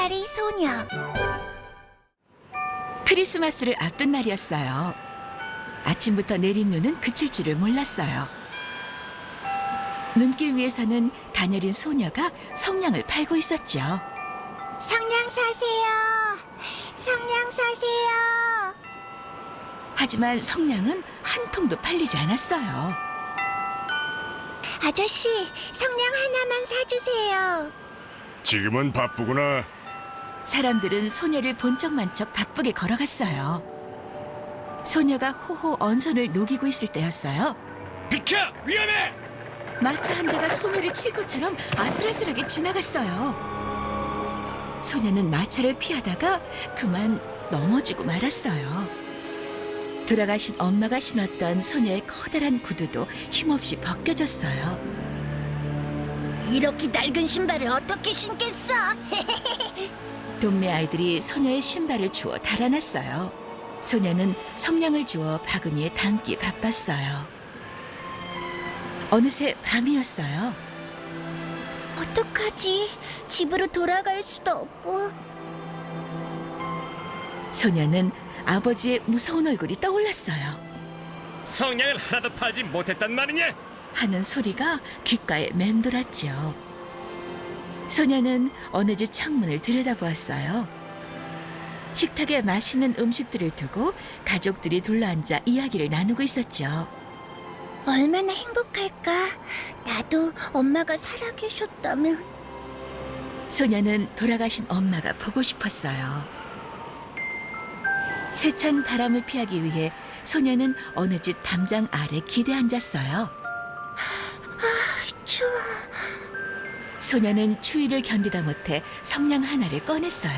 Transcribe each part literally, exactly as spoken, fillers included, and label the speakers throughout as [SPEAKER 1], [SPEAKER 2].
[SPEAKER 1] 살이 소녀.
[SPEAKER 2] 크리스마스를 앞둔 날이었어요. 아침부터 내린 눈은 그칠 줄을 몰랐어요. 눈길 위에서는 가녀린 소녀가 성냥을 팔고 있었죠.
[SPEAKER 1] 성냥 사세요. 성냥 사세요.
[SPEAKER 2] 하지만 성냥은 한 통도 팔리지 않았어요.
[SPEAKER 1] 아저씨, 성냥 하나만 사주세요.
[SPEAKER 3] 지금은 바쁘구나.
[SPEAKER 2] 사람들은 소녀를 본 척만 척 바쁘게 걸어갔어요. 소녀가 호호 언선을 녹이고 있을 때였어요.
[SPEAKER 3] 비켜! 위험해!
[SPEAKER 2] 마차 한 대가 소녀를 칠 것처럼 아슬아슬하게 지나갔어요. 소녀는 마차를 피하다가 그만 넘어지고 말았어요. 돌아가신 엄마가 신었던 소녀의 커다란 구두도 힘없이 벗겨졌어요.
[SPEAKER 1] 이렇게 낡은 신발을 어떻게 신겠어?
[SPEAKER 2] 동네 아이들이 소녀의 신발을 주워 달아났어요. 소녀는 성냥을 주워 바구니에 담기 바빴어요. 어느새 밤이었어요.
[SPEAKER 1] 어떡하지? 집으로 돌아갈 수도 없고.
[SPEAKER 2] 소녀는 아버지의 무서운 얼굴이 떠올랐어요.
[SPEAKER 3] 성냥을 하나도 팔지 못했단 말이냐?
[SPEAKER 2] 하는 소리가 귓가에 맴돌았죠. 소녀는 어느 집 창문을 들여다보았어요. 식탁에 맛있는 음식들을 두고 가족들이 둘러앉아 이야기를 나누고 있었죠.
[SPEAKER 1] 얼마나 행복할까? 나도 엄마가 살아계셨다면.
[SPEAKER 2] 소녀는 돌아가신 엄마가 보고 싶었어요. 세찬 바람을 피하기 위해 소녀는 어느 집 담장 아래 기대 앉았어요.
[SPEAKER 1] 추워.
[SPEAKER 2] 소녀는 추위를 견디다 못해 성냥 하나를 꺼냈어요.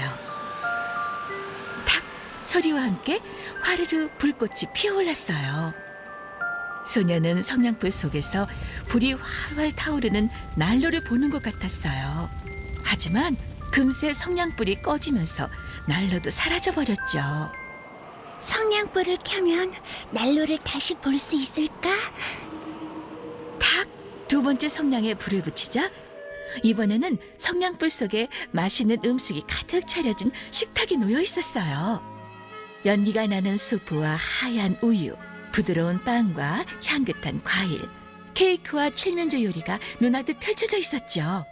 [SPEAKER 2] 탁 소리와 함께 화르르 불꽃이 피어올랐어요. 소녀는 성냥불 속에서 불이 활활 타오르는 난로를 보는 것 같았어요. 하지만 금세 성냥불이 꺼지면서 난로도 사라져버렸죠.
[SPEAKER 1] 성냥불을 켜면 난로를 다시 볼 수 있을까?
[SPEAKER 2] 탁 두 번째 성냥에 불을 붙이자 이번에는 성냥불 속에 맛있는 음식이 가득 차려진 식탁이 놓여 있었어요. 연기가 나는 수프와 하얀 우유, 부드러운 빵과 향긋한 과일, 케이크와 칠면조 요리가 눈앞에 펼쳐져 있었죠.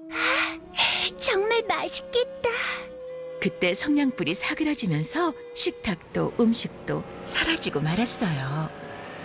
[SPEAKER 1] 정말 맛있겠다.
[SPEAKER 2] 그때 성냥불이 사그라지면서 식탁도 음식도 사라지고 말았어요.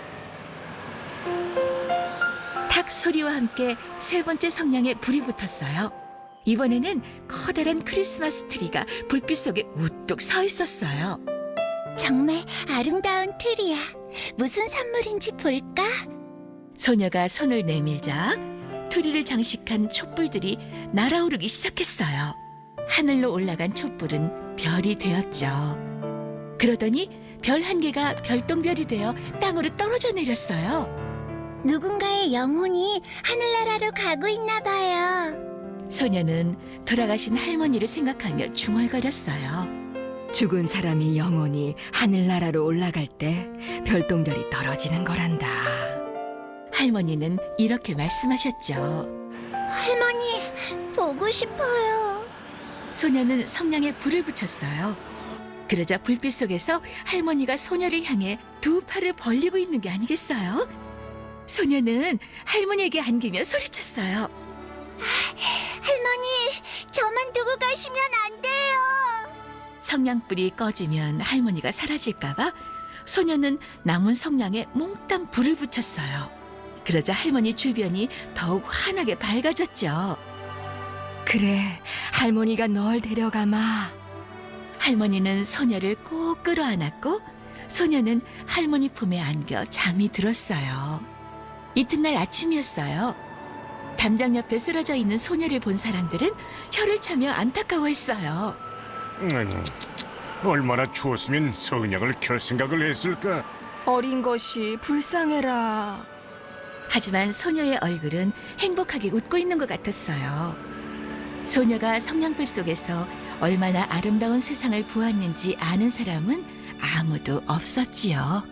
[SPEAKER 2] 탁 소리와 함께 세 번째 성냥에 불이 붙었어요. 이번에는 커다란 크리스마스 트리가 불빛 속에 우뚝 서 있었어요.
[SPEAKER 1] 정말 아름다운 틀이야. 무슨 선물인지 볼까?
[SPEAKER 2] 소녀가 손을 내밀자 트리를 장식한 촛불들이 날아오르기 시작했어요. 하늘로 올라간 촛불은 별이 되었죠. 그러더니 별 한 개가 별똥별이 되어 땅으로 떨어져 내렸어요.
[SPEAKER 1] 누군가의 영혼이 하늘나라로 가고 있나 봐요.
[SPEAKER 2] 소녀는 돌아가신 할머니를 생각하며 중얼거렸어요.
[SPEAKER 4] 죽은 사람이 영원히 하늘나라로 올라갈 때 별똥별이 떨어지는 거란다.
[SPEAKER 2] 할머니는 이렇게 말씀하셨죠.
[SPEAKER 1] 할머니, 보고 싶어요.
[SPEAKER 2] 소녀는 성냥에 불을 붙였어요. 그러자 불빛 속에서 할머니가 소녀를 향해 두 팔을 벌리고 있는 게 아니겠어요? 소녀는 할머니에게 안기며 소리쳤어요.
[SPEAKER 1] 할머니, 저만 두고 가시면 안 돼요.
[SPEAKER 2] 성냥불이 꺼지면 할머니가 사라질까봐 소녀는 남은 성냥에 몽땅 불을 붙였어요. 그러자 할머니 주변이 더욱 환하게 밝아졌죠.
[SPEAKER 4] 그래, 할머니가 널 데려가마.
[SPEAKER 2] 할머니는 소녀를 꼭 끌어안았고 소녀는 할머니 품에 안겨 잠이 들었어요. 이튿날 아침이었어요. 담장 옆에 쓰러져 있는 소녀를 본 사람들은 혀를 차며 안타까워했어요.
[SPEAKER 3] 음, 얼마나 추웠으면 성냥을 켤 생각을 했을까?
[SPEAKER 4] 어린 것이 불쌍해라.
[SPEAKER 2] 하지만 소녀의 얼굴은 행복하게 웃고 있는 것 같았어요. 소녀가 성냥불 속에서 얼마나 아름다운 세상을 보았는지 아는 사람은 아무도 없었지요.